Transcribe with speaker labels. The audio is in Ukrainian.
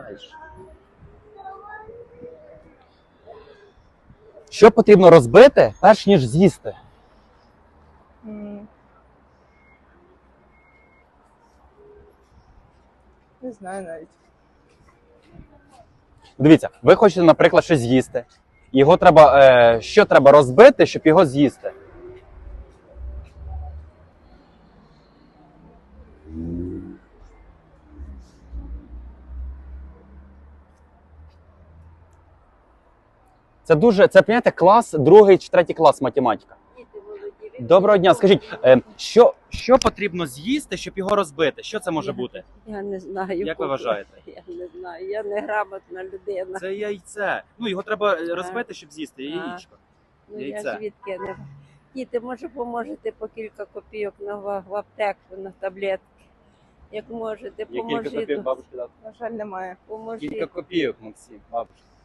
Speaker 1: знаєш. Що потрібно розбити, перш ніж з'їсти?
Speaker 2: Не знаю навіть.
Speaker 1: Дивіться, ви хочете, наприклад, щось з'їсти. Його треба, що треба розбити, щоб його з'їсти? Це, понимаєте, клас, 2 чи 3 клас математика. Доброго дня, скажіть, що потрібно з'їсти, щоб його розбити? Що це може бути?
Speaker 3: Я не знаю.
Speaker 1: Як ви вважаєте?
Speaker 3: Я не знаю, я не грамотна людина.
Speaker 1: Це яйце. Ну, його треба розбити, щоб з'їсти, яєчко.
Speaker 3: Ну,
Speaker 1: Яйце.
Speaker 3: я звідки не... Діти, може, поможете по кілька копійок в аптеку, на таблетки? Як можете,
Speaker 1: Є кілька
Speaker 3: поможіть.
Speaker 1: копійок бабушки дати.
Speaker 2: На жаль, немає.
Speaker 3: Поможіть.
Speaker 1: Кілька копійок, Максим, бабушка.